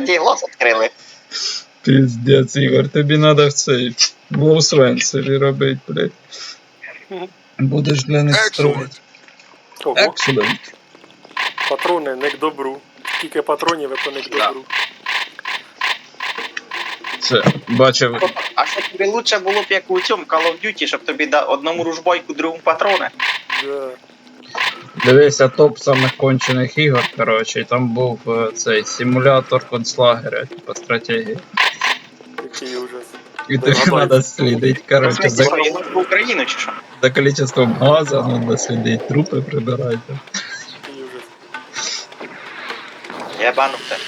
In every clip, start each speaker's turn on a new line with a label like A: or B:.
A: третій глаз відкрили.
B: Піздець, Ігор, тобі треба в цей Волсвен собі робити, блядь. Будеш для них строїти.
C: Ого,
B: Excellent.
C: патрони не к добру. Скільки патронів, то не к добру.
B: Це, бачив,
A: А що тобі лучше було б, як у цьому Call of Duty, щоб тобі одному ружбойку, другому патрони?
C: Да.
B: дивився топ самих кончених ігор, коротше, і там був цей симулятор концлагеря, типу стратегії.
C: Який ужас.
B: І тобі треба слідити, коротше, за
A: В Україну чи що?
B: количеством газу, треба слідити, трупи прибирати.
C: Який ужас.
A: Я бану те.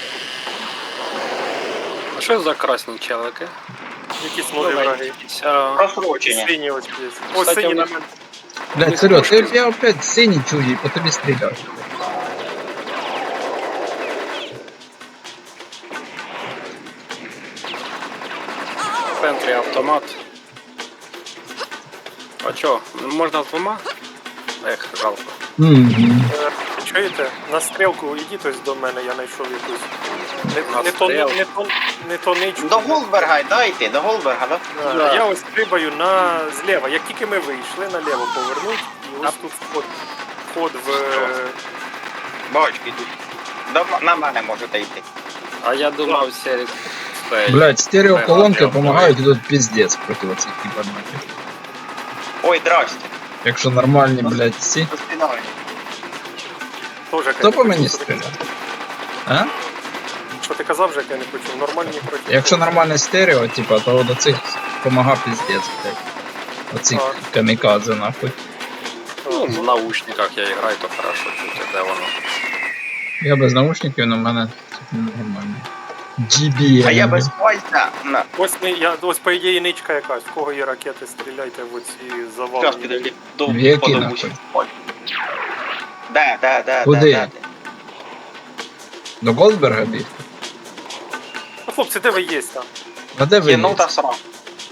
D: А що за красні челики?
C: Якісь нові враги.
A: Просрочення.
C: Сині ось є. Ось
D: Кстати,
C: сині
D: у
C: на
D: них-
C: мене.
B: Блядь, Сереж, я опять синій чую, і по тобі стріляю.
D: В центрі автомат. А чо, можна з двома? Ех, жалко.
C: Чуєте? На стрілку ідіть ось до мене, я знайшов якусь.
D: На
C: Не то ничку.
A: До Голдберга, дайте, до Голдберга, да?
C: Да. Я ось стрибаю на зліва. Як тільки ми вийшли, наліво повернуть, і ось тут вход в...
A: Бочки йдуть. На мене можете йти.
D: А я думав, серед...
B: Блядь, стереоколонки допомагають, і тут піздець проти оцих кібернетів.
A: Ой, здрасте.
B: Якщо нормальні, блядь, всі.
A: До свидання.
C: Тоже,
B: Хто по мені стріляє? А?
C: Що ти казав, Жек, я не почув. Нормальні проти.
B: Якщо нормальне стерео, типа, то до цих помага піздець, блядь. Оцих
C: Так.
B: камікадзе, нахуй.
D: Ну, в наушниках я граю, то хорошо чути, де воно.
B: Я без наушників, але в мене нормально. GBM.
A: А я без пальця. На.
C: Ось по ідеї ничка якась. В кого є ракети, стріляйте в оці
A: Зараз
C: завали.
A: підійди. До
B: В які,
A: подовуші. Де.
B: Куди? До Голдберга біг?
C: Ну, хлопці, де ви є там?
B: А де ви?
A: Кінув
B: є?
A: та срав.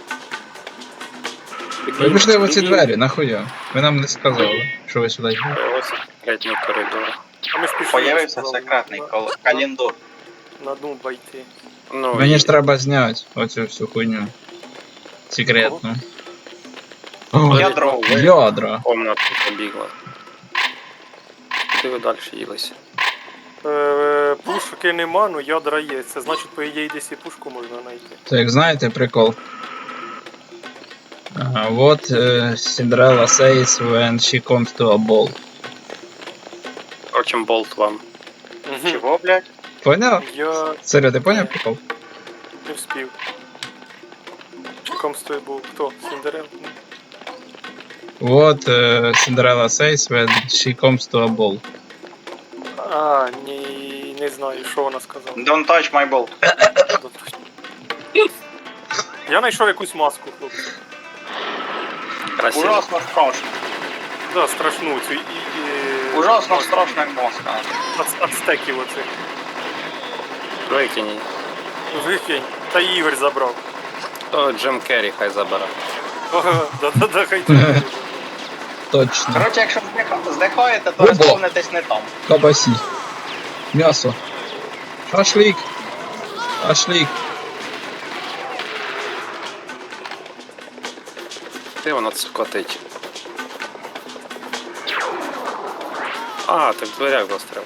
B: Ви пішли в оці двері, нахуя? Ви нам не сказали, що ви сюди йдете.
D: Ось третій коридор.
C: А ми ж пішли.
A: Появився
C: сказали,
A: секретний календар.
C: На дну обійти.
D: Ну,
B: Мені ж треба зняти оцю всю хуйню. Секретну. О,
A: Ядро.
B: ядра.
D: комнату побігла. Куди ви далі їлися?
C: Пушки нема, ну ядра є. Це значить, по ідеї, десь і пушку можна знайти.
B: Це як знаєте прикол. Ага, вот Cinderella says when she comes to a ball.
D: Впрочем, болт вам.
A: Чого, блядь?
B: Поняв?
C: Я
B: Серйо, ти поняв прикол?
C: не вспів. Комстой був хто? Сіндерел?
B: Вот Cinderella says when she comes to a ball.
C: А, ні, не знаю, що вона сказала.
A: Don't touch my ball.
C: Я знайшов якусь маску, хлопці.
D: Красиво.
A: Ужасно страшно.
C: Да, страшну цю
A: Ужасно страшна мозка.
C: ацтеків оцих.
D: Викинь.
C: Викинь. Та Ігор забрав.
D: То Джим Керрі хай забере.
C: Да, хай ти.
B: Точно.
A: Коротше, якщо здихаєте, то
B: Ого.
A: розповнитесь не там.
B: Кабасі. М'ясо. Шашлик. Шашлик.
D: Де воно скотить? А, так в дверях застряв.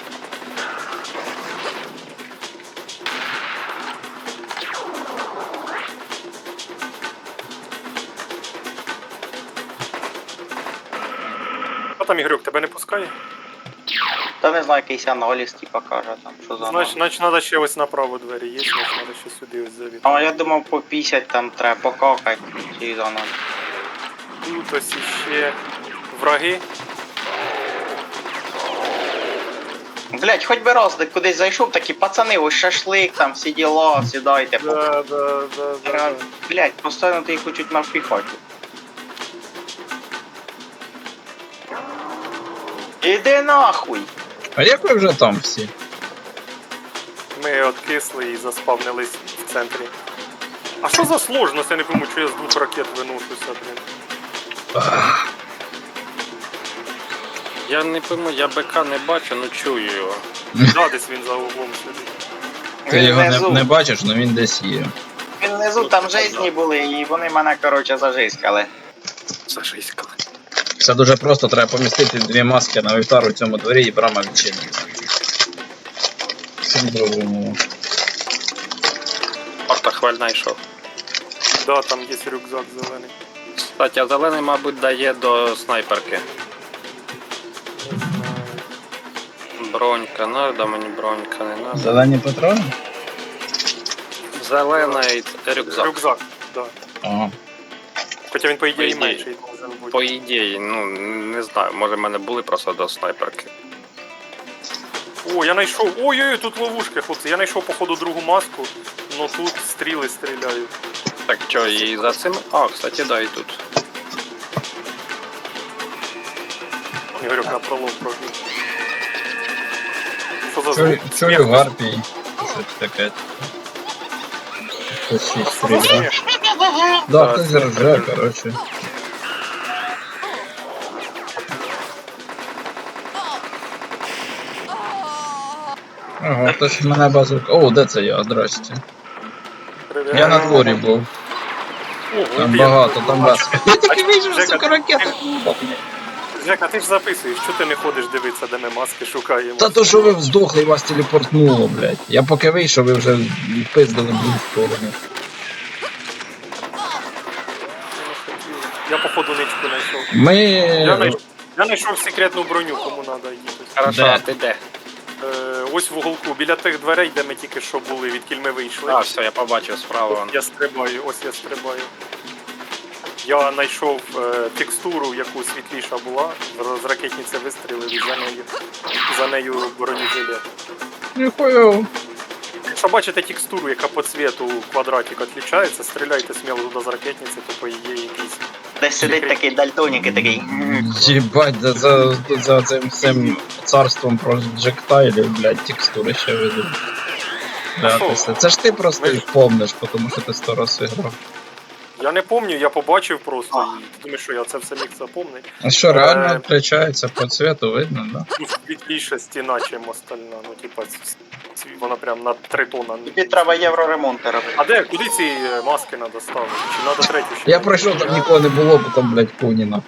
C: А там Ігорюк, тебе не пускає?
A: Та не знаю, якийсь аналіз, типа, каже там, що за аналіз.
C: Значить, треба ще ось направо двері є, значить, треба ще сюди ось завіти.
A: А я думав, по 50 там треба покакати через аналіз.
C: Тут ось іще враги.
A: Блять, хоч би раз кудись зайшов, такі пацани, ось шашлик, там всі діла, сідайте.
C: Да.
A: Блять, постійно ти їх хочуть навпіхати. Іди нахуй!
B: А як ви вже там всі?
C: Ми откисли і заспавнились в центрі. А що за сложність? Я не пойму, що я з двох ракет виношуся, блін.
D: Я не пойму, я БК не бачу, ну чую його.
C: Да, десь він за углом сидить.
B: Ти
A: Він
B: його
A: внизу.
B: не бачиш, але він десь є.
A: Він внизу, там жизні були, і вони мене, коротше, зажискали.
D: Зажиськали.
B: Все дуже просто, треба помістити дві маски на вівтар у цьому дворі і брама відчиниться. Всім зрозуміло.
D: Портохваль знайшов.
C: Да, там є рюкзак зелений.
D: Кстати, а зелений, мабуть, дає до снайперки.
C: Не знаю.
D: Бронька, надо мені бронька, не надо.
B: Зелені патрони?
D: Зелений рюкзак.
C: Рюкзак, да.
B: Ага.
C: Хоча він, по ідеї,
D: По ідеї.
C: менший може бути.
D: По ідеї, ну не знаю, може в мене були просто до снайперки.
C: О, я знайшов. Ой-ой-ой, тут ловушки, хлопці. Я знайшов, походу, другу маску, но тут стріли стріляють.
D: Так що, і за цим. А, кстати, да, і тут.
C: Ігорюк на пролом пробіг. Що за
B: Чую,
C: звук?
B: чую
C: Сміх.
B: гарпій. Щось таке. Хтось щось
C: Що за
B: стріляє.
C: сміх?
B: Да, хтось рже, коротше. Ага, хтось в мене базука. О, де це я? Здрасте.
C: Привіт.
B: Я на дворі був.
C: Ого,
B: Там
C: ти-
B: багато, там вас. Я тільки вийшов,
C: Жека,
B: сука, ракета.
C: Жека, ти ж записуєш, що ти не ходиш дивитися, де ми маски шукаємо?
B: Та то, що ви здохли, вас телепортнуло, блядь. Я поки вийшов, ви вже пиздили в другу сторону.
C: Я походу ничку знайшов.
B: Ми...
C: Я знайшов секретну броню, кому треба їхати.
D: Хорошо,
B: Де?
D: а ти де?
C: Ось в уголку, біля тих дверей, де ми тільки що були, відкіль ми вийшли.
D: А, все, я побачив справа. вон.
C: Я стрибаю, ось я стрибаю. Я знайшов текстуру, яку світліша була, з ракетниці вистрілив і за нею бронежилет.
B: Ніхуя.
C: Якщо бачите текстуру, яка по цвету квадратик відрізняється, стріляйте сміло туди з ракетниці, то по її якийсь.
A: Десь сидить такий дальтонік і такий.
B: Єбать, за цим всім царством проджектайлів, блядь, текстури ще ведуть. Це ж ти просто
C: Ми-
B: їх помниш, тому що ти 100 разів грав.
C: Я не пам'ятаю, я побачив просто її. Думаю, що я це все міг запомнити.
B: А що, реально відрізняється по цвету, видно, да?
C: Ну, світліша стіна, чим остальна. Ну, типа, вона прям на 3 тонна.
A: Тобі треба євроремонти робити.
C: А де, куди ці маски треба ставити? Чи треба третю ще?
B: Я пройшов, там нікого не було, бо там, блядь, Куніна.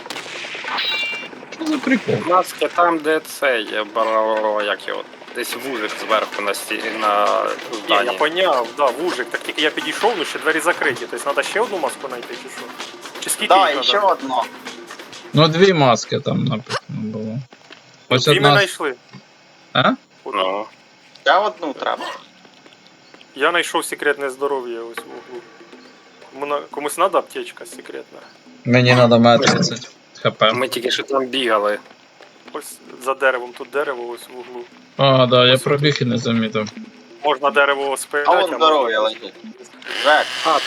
B: Що за прикол?
D: Маски там, де це є, як його. Десь вужик зверху на на
C: Ні, я
D: зданні.
C: поняв, да, вужик. Так тільки я підійшов, ну ще двері закриті. Тобто треба ще одну маску знайти, чи що? Чи скільки
A: Так,
C: їх
A: і ще
C: треба?
A: одно.
B: Ну, 2 маски там написано було. Ось
C: Дві ми
B: одна...
C: знайшли.
B: А?
D: Ну,
A: Ще одну треба.
C: Я знайшов секретне здоров'я ось в углу. Комусь треба аптечка секретна?
B: Мені треба мати 30 хп.
D: ми тільки що там бігали.
C: Ось за деревом, тут дерево ось в углу.
B: А, да, я пробіг і не замітив.
C: Можна дерево спиляти.
A: А вон здоров'я лежить. Жек,
D: А,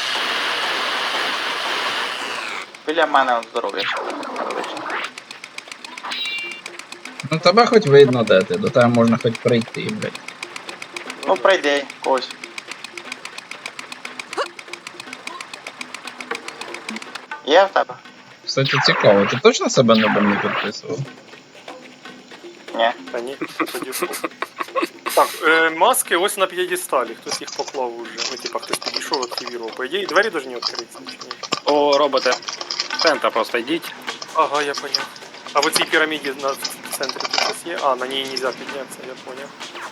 A: біля мене он здоров'я ще лежить.
B: Ну тебе хоч видно, де ти, до тебе можна хоч прийти, блядь.
A: Ну прийди, когось. Є в тебе?
B: Кстати, цікаво, ти точно себе не підписував?
A: Ні.
C: Та ні, тоді що. Так, маски ось на п'єдесталі, хтось їх поклав уже. Ну, типа, хтось підійшов, активував. По ідеї, двері повинні відкритися, чи ні?
D: о, роботи. В центр просто йдіть.
C: Ага, я поняв. А в цій піраміді на центрі тут щось є? А, на ній не можна піднятися, я поняв.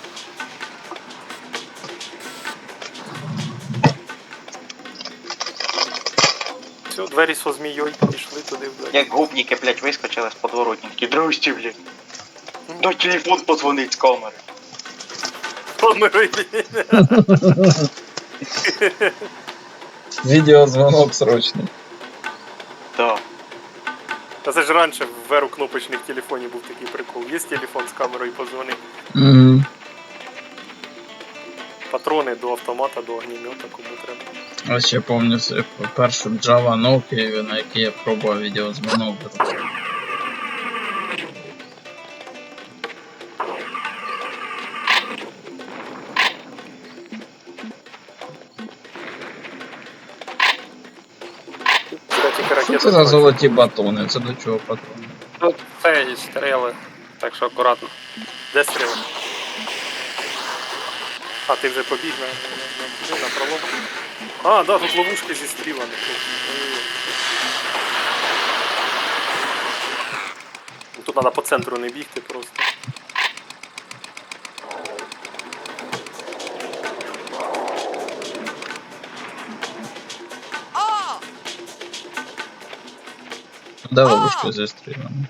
C: Все, двері со змією пішли туди вдалі.
A: Як губники, блядь, вискочили з подворотні. Такі, здрасте, блядь. Дай телефон подзвонить з камери.
B: Відеозвонок срочний.
A: Да.
C: Та це ж раніше в еру кнопочних телефонів був такий прикол. Є телефон з камерою позвони.
B: Угу.
C: Патрони до автомата, до огнемета, кому треба.
B: А ще пам'ятаю першу Java Nokia, на якій я пробував відеозвонок. Що це за золоті батони? Це до чого патрони?
D: Тут це і стріли. Так що акуратно.
C: Де стріли? А, ти вже побіг на пролом. А, да, тут ловушки зі стрілами. Тут треба по центру не бігти просто.
B: Де ловушка зі стрілами?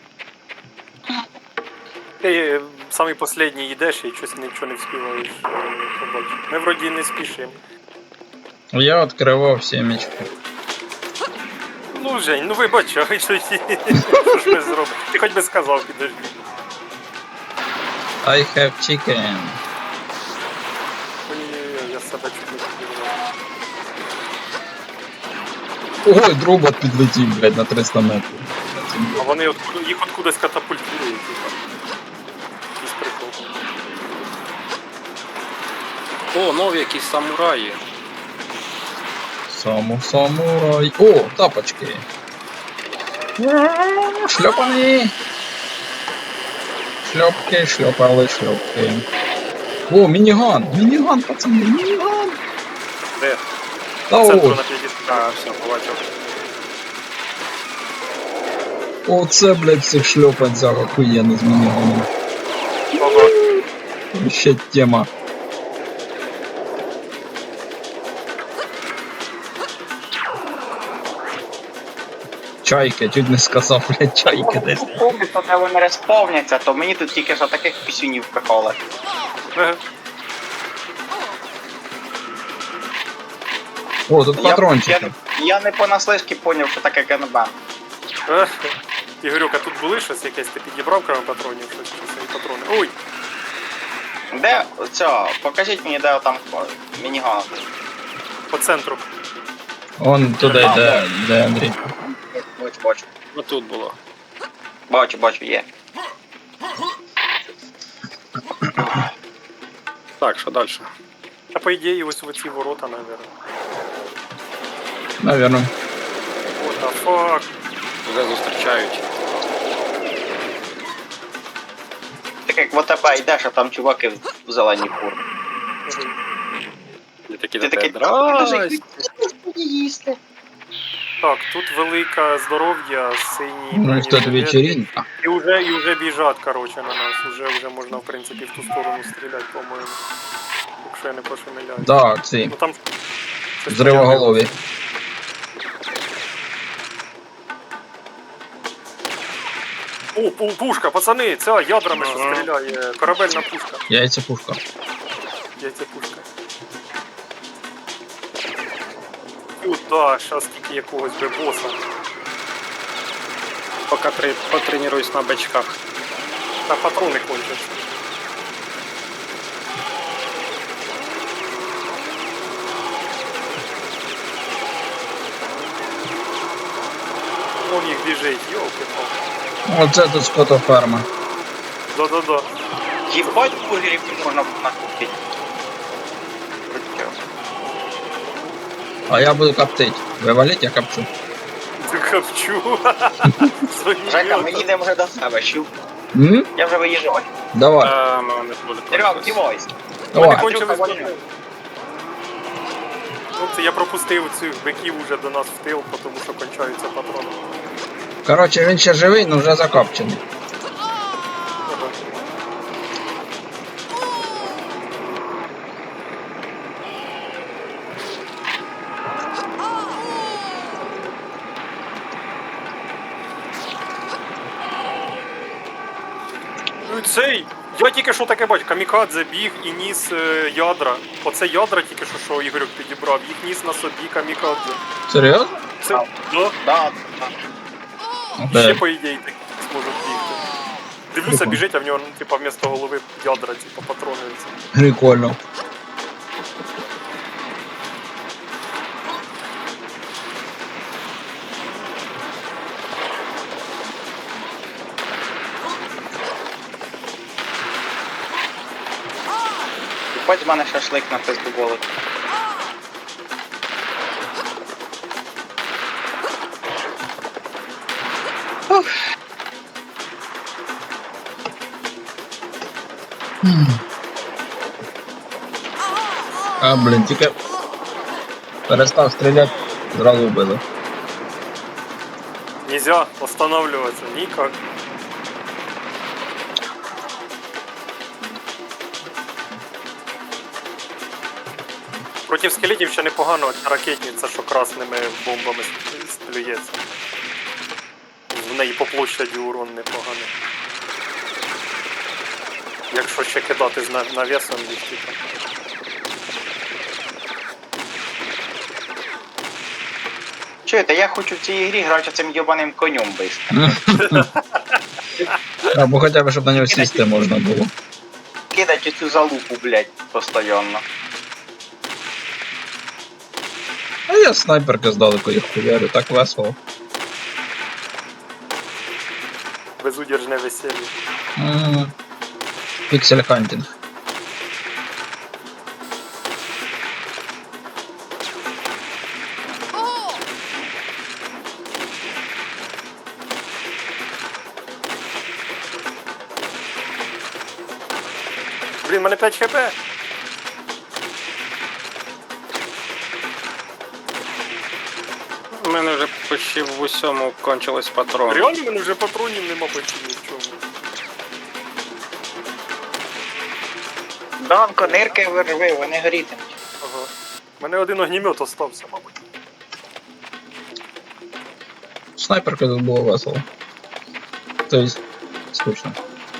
C: Ти самий останній йдеш і щось нічого не вспіваєш побачити. Ми вроді не спішимо.
B: Я відкривав сімечки.
C: Ну, Жень, ну вибачай, що ж ми зробимо. Ти хоч би сказав, підожди.
B: I have chicken.
C: Ой-ой-ой, я себе чуть не підірвав.
B: Ой, дробот підлетів, блядь, на 300 метрів.
C: А вони їх откудись катапультують. Якийсь прикол.
D: О, нові якісь самураї.
B: Самурай. О, тапочки. Шльопані. Шльопки, шльопали, шльопки. О, мініган, мініган, пацани, мініган.
D: Де?
B: Та
C: Центру
B: о,
C: на п'єдесталі.
D: А, все, побачив.
B: оце, блядь, цих шльопанцях охуєнно з мініганом.
C: Ага.
B: Ще тема. Чайки, чуть не сказав, блядь, чайки десь.
A: Помню, що де вони респавняться, то мені тут тільки що таких пісюнів приколи.
C: Ага.
B: О, тут патрончики.
A: Я не понаслишки поняв, що таке ганбан.
C: Ігорюк, а тут були щось якесь, ти підібрав крім патронів, щось чи свої патрони. Ой!
A: Де ця? Покажіть мені, де там мініган.
C: По центру.
B: Он туди йде, де Андрій.
A: Бачу.
D: Отут було.
A: Бачу, є.
D: Так, що далі?
C: А по ідеї ось в ці ворота, наверное.
B: Наверно.
C: What the fuck?
D: Вже зустрічають.
A: Так як в ОТБ йдеш, а там чуваки в зеленій формі.
D: І такі
A: Ти
D: до
A: такий,
D: тебе, здрасте.
A: їсти.
C: Так, тут велика здоров'я, синій.
B: Ну і хто тобі вечеринка?
C: І вже біжать, короче, на нас. Уже можна, в принципі, в ту сторону стріляти, по-моєму. Якщо я не пошумиляю.
B: Так, ці.
C: Ну там щось
B: Взривоголові.
C: О, пушка, пацани, ця ядрами що
D: Ага.
C: стріляє. Корабельна пушка.
B: Яйця пушка.
C: Яйця пушка. Куда? Щас тільки якогось би боса.
D: Поки потренуюсь на бачках.
C: Та патрони кончаться. Вон їх біжить, йолки-палки.
B: Оце тут скотоферма.
C: Да-да-да.
A: Їбать бургерів тут можна накупити.
B: А я буду коптить. Ви валіть, я копчу.
C: Ти копчу.
A: Жека, ми їдемо вже до себе, чув?
B: М?
A: Я вже виїжджаю.
B: Давай.
D: Ну, не буде.
A: Серег, дівайся.
B: Давай.
C: Кончились
A: Андрюха,
C: патрони. Ну, це я пропустив цих биків уже до нас в тил, тому що кончаються патрони.
B: Коротше, він ще живий, але вже закопчений.
C: Ага. Ну, цей! Я тільки що таке бачу, камікадзе біг і ніс ядра. Оце ядра тільки що Ігорюк підібрав, їх ніс на собі камікадзе.
B: Серйозно?
C: Це, да,
A: Да.
C: ще
B: Де?
C: по ідеї так зможуть бігти. Дивлюся,
B: Прикольно.
C: біжить, а в нього, типа, вмісто голови ядра, типа, патрони.
B: Прикольно.
A: Хоч з мене шашлик на пизду болить.
B: А, блін, тільки перестав стріляти, зразу вбили.
C: Нельзя останавливаться никак. Проти скелетів ще непогано ця ракетниця, що красними бомбами стрілюється. В неї по площаді урон непоганий. Якщо ще кидати з навісом їх, типу.
A: Чуєте, я хочу в цій грі грати цим йобаним конем бистро.
B: Або хоча б, щоб на нього сісти можна було.
A: Кидать цю залупу, блядь, постоянно.
B: А я снайперки здалеку їх хуярю, так весело.
C: Безудержне весілля.
B: Піксель хантінг.
C: Блін, в мене 5 хп.
D: У мене вже почти в усьому кончились патрони.
C: Реально в мене вже патронів нема почти ні в чому.
A: Данко, нирки вирви, вони горітимуть.
C: Ага. У мене один огнімет остався, мабуть.
B: Снайперка тут було весело. Тобто, скучно.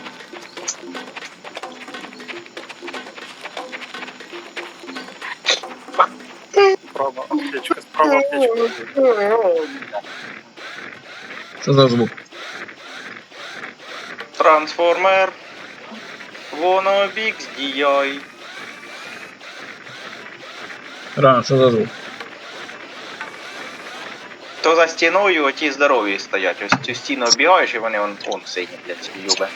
C: Справа аптечка, справа аптечка.
B: Що за звук?
A: Трансформер. Воно бікс діяй.
B: Рано, що за звук?
A: То за стіною оті здорові стоять. Ось цю стіну обігаєш і вони вон сидять, блядь, ці юби.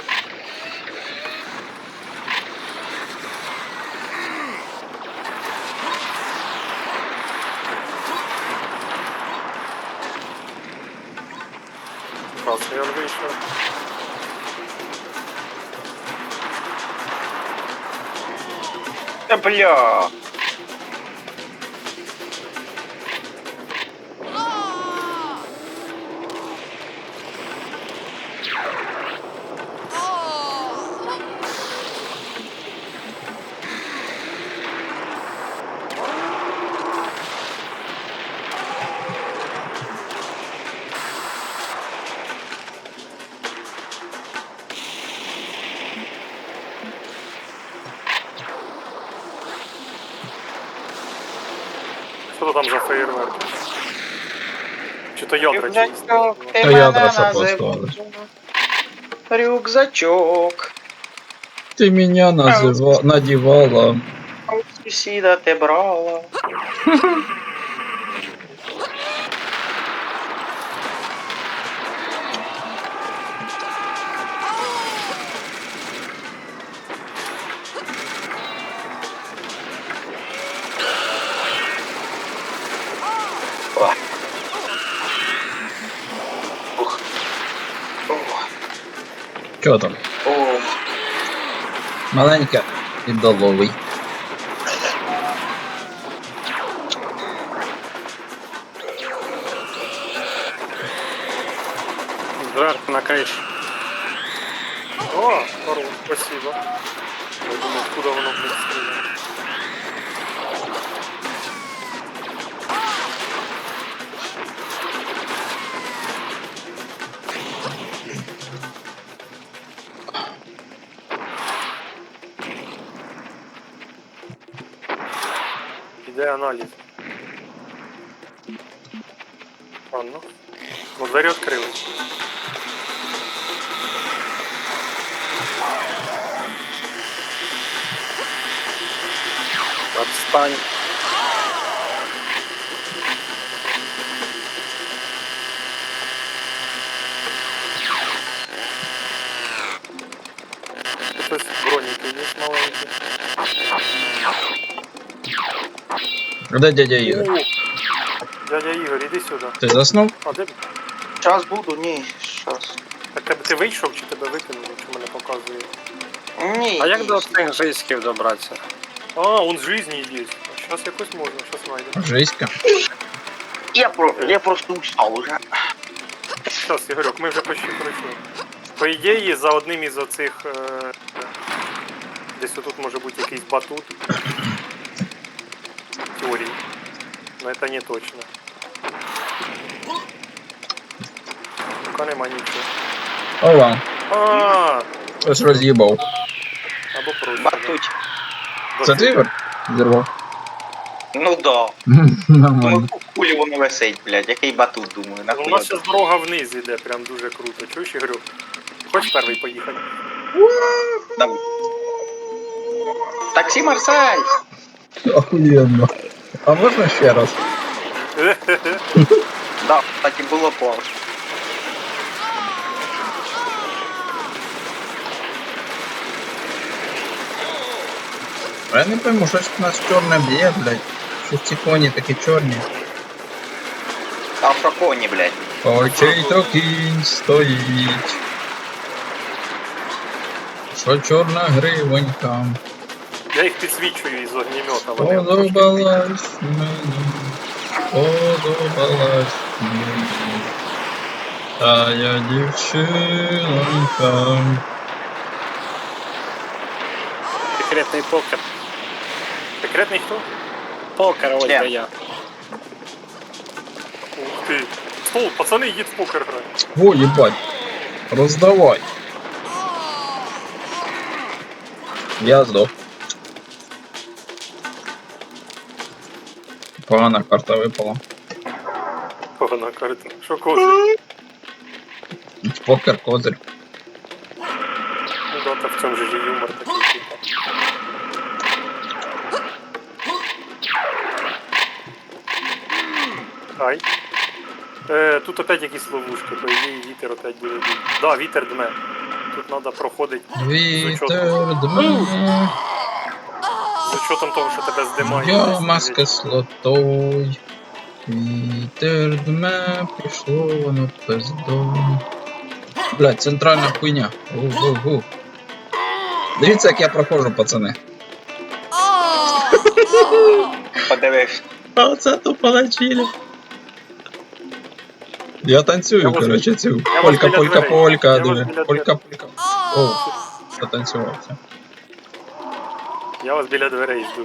C: Красний он вийшов.
A: Та бля.
C: Що там за феєрверк? Чи то ядра чиїсь?
A: Рюкзачок, ти
B: Та ядра
A: мене
B: що
A: називав.
B: поставили.
A: Рюкзачок.
B: Ти мене надівала.
A: А у сусіда ти брала. О. Ух. О.
B: Чого там?
A: О.
B: Маленька і доловий.
D: Зверху на криші.
C: О, здорово, спасибо. Я думаю, откуда воно блядь, стріляє. Іде аналіз. Ладно. Ну, двері відкрились.
D: Отстань.
C: Хтось броніки є маленькі.
B: Де дядя Ігор?
C: О, дядя Ігор, іди сюди.
B: Ти заснув?
C: А де?
A: Час буду, ні, щас.
C: Так тебе ти вийшов чи тебе викинули, чи мене показує?
A: Ні.
D: А як
A: ні.
D: до цих жиськів добратися?
C: А, он в жизни есть. Сейчас якось можна, сейчас найдем.
B: Жиська.
A: Я просто устал уже.
C: Сейчас, Ігорьок, ми вже почти пройшли. По ідеї, за одним із оцих... десь отут може бути якийсь батут. В теорії. Но це не точно. Пока нема нічого.
B: Ова,
C: А,
B: хтось роз'їбав.
C: або проще.
A: Батуть.
B: Це ти, Ігор? Зірвав?
A: Ну да.
B: Нормально.
A: Ну, кулі воно висить, блядь. Який батут, думаю,
C: У
A: нахуй.
C: нас зараз дорога вниз іде, прям дуже круто. Чуєш, Ігорюк? Хочеш перший поїхати?
A: Давай. Таксі Марсель!
B: Охуєнно. А можна ще раз?
A: Да, кстати, було класно.
B: А я не пойму, щось у нас чорне б'є, блядь. Що ці коні такі чорні.
A: А в шоконі, блядь.
B: Очей то кінь стоїть. Що чорна гривонька.
C: Я їх підсвічую із огнемета. Вони трошки
B: Подобалась мені. Подобалась мені. Тая дівчинонька.
D: Секретний покер.
C: Секретний хто?
D: Покер, ось
A: Ні.
D: де я.
C: Ух ти. Стол, пацани, їдь в покер грати.
B: О, їбать. Роздавай. Я здох. Погана карта випала.
C: Погана карта. Що козир?
B: Покер, козир.
C: Ну да, так в цьому же ж і юмор такий, типа. Ай. Тут опять якісь ловушки, по ідеї вітер опять буде бити. Да, вітер дме. Тут треба проходити
B: Вітер дме.
C: з учетом того, що тебе здимає.
B: Яма з кислотой. Вітер дме, пішло воно пиздо. Блядь, центральна хуйня. Гу-гу-гу. Дивіться, як я проходжу, пацани.
A: Подивись.
B: А оце тупо на чилі. Я танцюю,
C: Я вас-
B: короче, цю.
C: я вас
B: Полька,
C: біля
B: полька,
C: дверей.
B: полька,
C: Я вас
B: диви.
C: біля
B: Полька, полька. О, затанцювався.
C: Я вас біля дверей жду.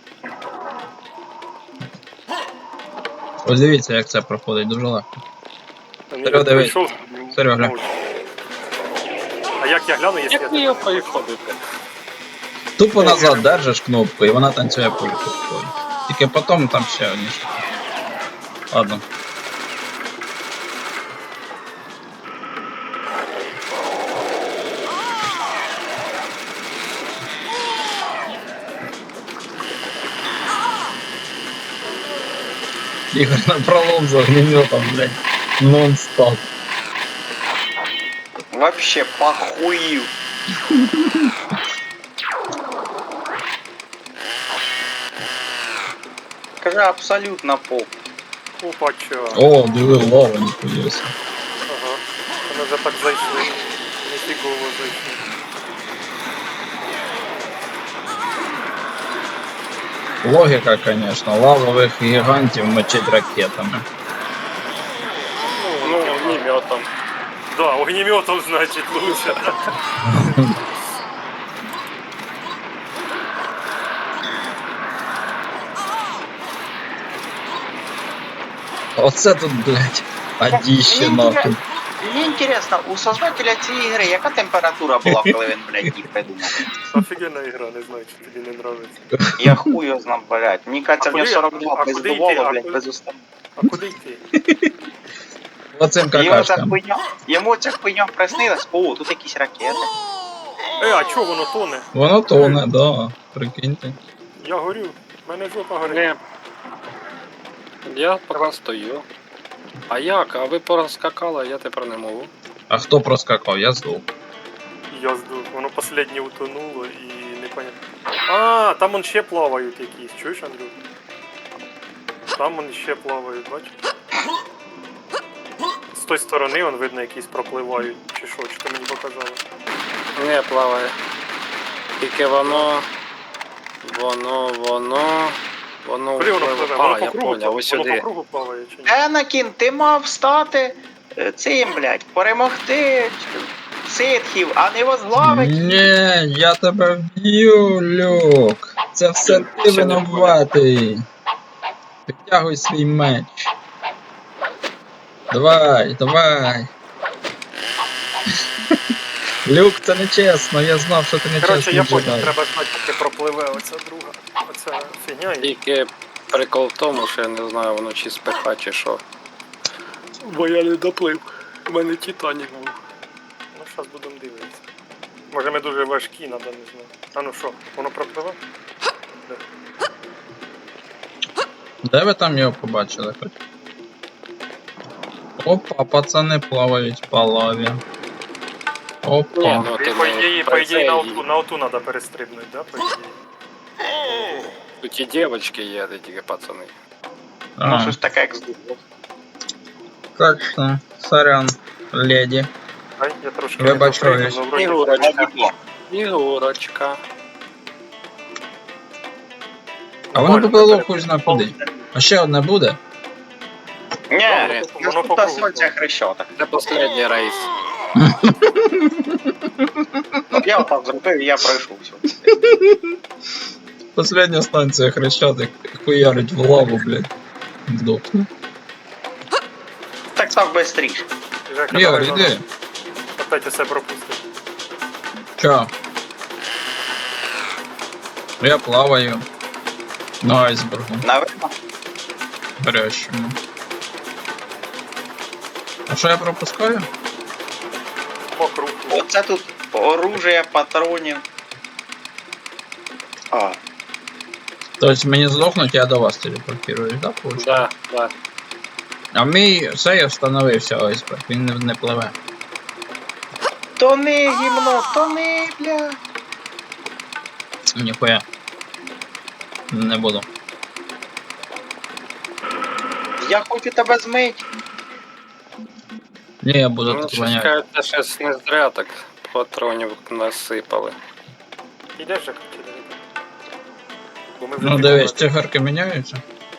B: Ось дивіться, як це проходить, дуже легко.
C: Ні,
B: Серега, дивись.
C: прийшов,
B: Серега, глянь.
C: мовчу. А як я гляну, якщо я
D: Як ви його поїходите?
B: Тупо назад держиш кнопку і вона танцює польку. Тільки потім там ще одні. Ладно. Ігор на пролом з огнеметом, блядь. Нон-стоп.
A: Вообще похуїв. Скажи абсолютно похуй.
C: Опача.
B: О, диви, лава, ніхуя себе.
C: Ага. Вони вже так зайшли. Нефігово зайшли.
B: Логіка, конечно, лавових гігантів мочить ракетами.
D: Ну, огнеметом.
C: Да, огнеметом, значит, лучше.
B: Оце тут, блядь, адіще нахуй.
A: Мені інтересно, у создателя цієї гри яка температура була, коли він, блядь, їх придумав?
C: Офігенна ігра, не знаю, чи тобі не нравиться.
A: Я хуй його знав, блядь. Мені кажеться, в нього
C: куди-
A: 42
C: а куди йти?
A: пиздувало,
C: А
A: блядь,
C: куди-
A: без уста.
C: А куди йти?
B: Оцим какашкам.
A: Йому ця хуйня приснилась. О, тут якісь ракети.
C: А чого воно тоне?
B: Воно тоне, да, прикиньте.
C: Я горю. В мене жопа горить.
D: Ні. Я поки стою. А як? А ви порозскакали, а я тепер не можу.
B: А хто проскакав? Я здох.
C: Я здох. Воно останнє утонуло і непонятно. А, там он ще плавають якісь. Чуєш, Андрюк? Там он ще плавають, бачиш? З тої сторони он видно якісь пропливають. Чи що, чи ти мені показали?
D: Не плаває. Тільки воно Воно
C: Куди воно пливе? Воно
D: А,
C: по
D: я
C: кругу,
D: поняв, ось
C: воно по
D: сюди.
C: кругу плаває чи ні?
A: Енакін, ти мав стати цим, блядь, перемогти ситхів, а не возглавить їх.
B: Ні, я тебе вб'ю, Люк. Це все ти
D: Ще не
B: винуватий. Підтягуй свій меч. Давай, давай. Люк, це не чесно, я знав, що ти не
C: Коротше, я
B: чесний
C: поняв,
B: джедай.
C: треба ждати, поки пропливе оця друга. Оця фігня. І...
D: Тільки прикол в тому, що я не знаю, воно чи спеха, чи що. Бо я не доплив. У мене Титанік був.
C: Ну, зараз будемо дивитися. Може ми дуже важкі, надо, не знаю. А ну що, воно пропливе?
B: Де ви там його побачили хоч? Опа, пацани плавають по лаві.
D: Ні,
B: Опа.
D: ну
C: І
D: ти
C: по
D: не
C: ідеї
D: про це
C: на оту треба перестрибнути, да, по ідеї?
D: Тут і дівчатки є, де тільки пацани.
A: Ну,
B: А,
A: щось таке, як здобуло.
B: так що, сорян, леді.
C: Ай, я трошки
B: Вибачаюсь.
C: не допригнув, вроді
D: Ігорочка. Ігорочка.
B: А воно поплило хуй зна куди. А ще одне буде?
A: Ні,
C: Воно по
A: наступна
C: кругу.
A: сонця хрещота.
D: Це останній рейс.
A: Я отак зробив і я пройшов все.
B: Последня станція Хрещатик хуярить в лаву, блядь. Вдохну.
A: Так став бистріше.
C: Жека,
B: Ігор,
C: давай,
B: іди.
C: опять усе пропустив.
B: Чо? Я плаваю. На айсбергу.
A: Наверно.
B: Горящому. А що я пропускаю?
C: По кругу.
A: Оце тут оружие, патронів. А,
B: Тобто мені здохнуть, я до вас телепортируюсь, да, получается?
D: Да, да.
B: А мій цей встановився айсберг, він не пливе.
A: тони, гімно, тони, бля.
B: Ніхуя. Не буду.
A: Я хочу тебе змить.
B: Ні, я буду
D: Ну,
B: тут
D: щось
B: воняти.
D: кажеться, щось не зря так патронів насипали.
C: Ідеш, Жека, чи не? Бо ми вже
B: Ну
C: дві
B: дивись,
C: команди.
B: циферки міняються.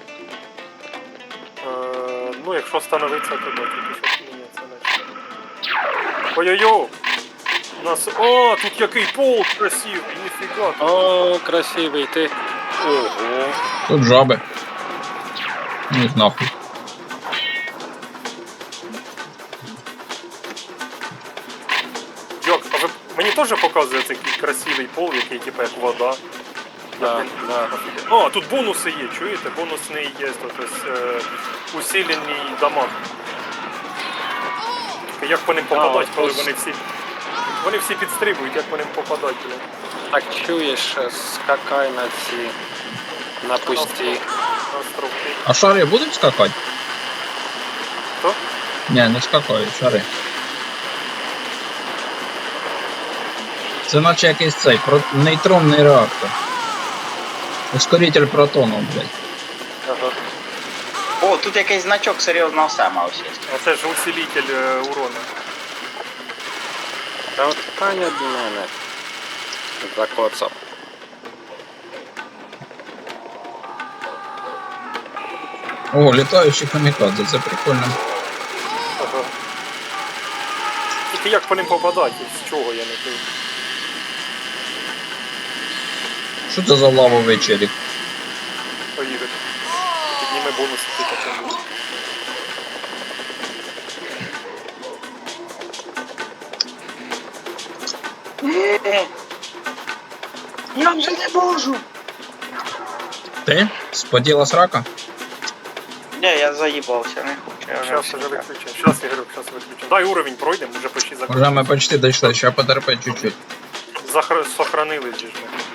C: Ну, якщо становиться, то да, тільки що міняється наче. Ой-ой-ой! У нас... О, тут який пол красивий, ніфіга.
D: О, красивий ти. Ого.
B: Тут жаби. Ну їх нахуй.
C: Йок, а ви мені теж показує цей красивий пол, який типу як вода.
D: Да, да.
C: О, тут бонуси є, чуєте? Бонусний є, тобто усилений дамаг. Як по ним попадать,
D: от
C: коли
D: ось.
C: вони всі. Вони всі підстрибують, як по ним попадать, блін.
D: Так чуєш, скакай на ці. На пусті.
C: На островки.
B: А шари будуть скакати?
C: Хто?
B: Ні, не скакають, шари. Це наче якийсь цей нейтронний реактор. Ускоритель протонів, блядь.
C: Ага.
A: О, тут якийсь значок серйозного сема ось є.
C: А це ж усилитель урона.
D: Та от Таня до мене закоцав.
B: О, літаючі камікадзе, це прикольно.
C: Ага. Тільки як по ним попадать, і з чого я не пив.
B: Що це за лавовий челік?
C: Поїде. Підніме бонуси, ти потім буде.
A: Я вже не можу.
B: Ти? Споділа срака?
A: Ні, я заїбався, не хочу. Я
C: Зараз
A: вже
C: вже
A: все.
C: виключимо. Зараз, Ігорюк, зараз виключимо. Дай уровень пройдемо, вже почти
B: Уже
C: закончили.
B: ми почти дійшли, ще потерпи чуть-чуть.
C: Сохранились же ж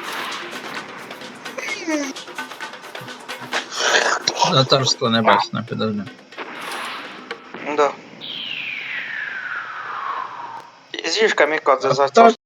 C: ми.
B: За царство небесне, підожди.
A: Да. З'їж камікадзе за
B: Так,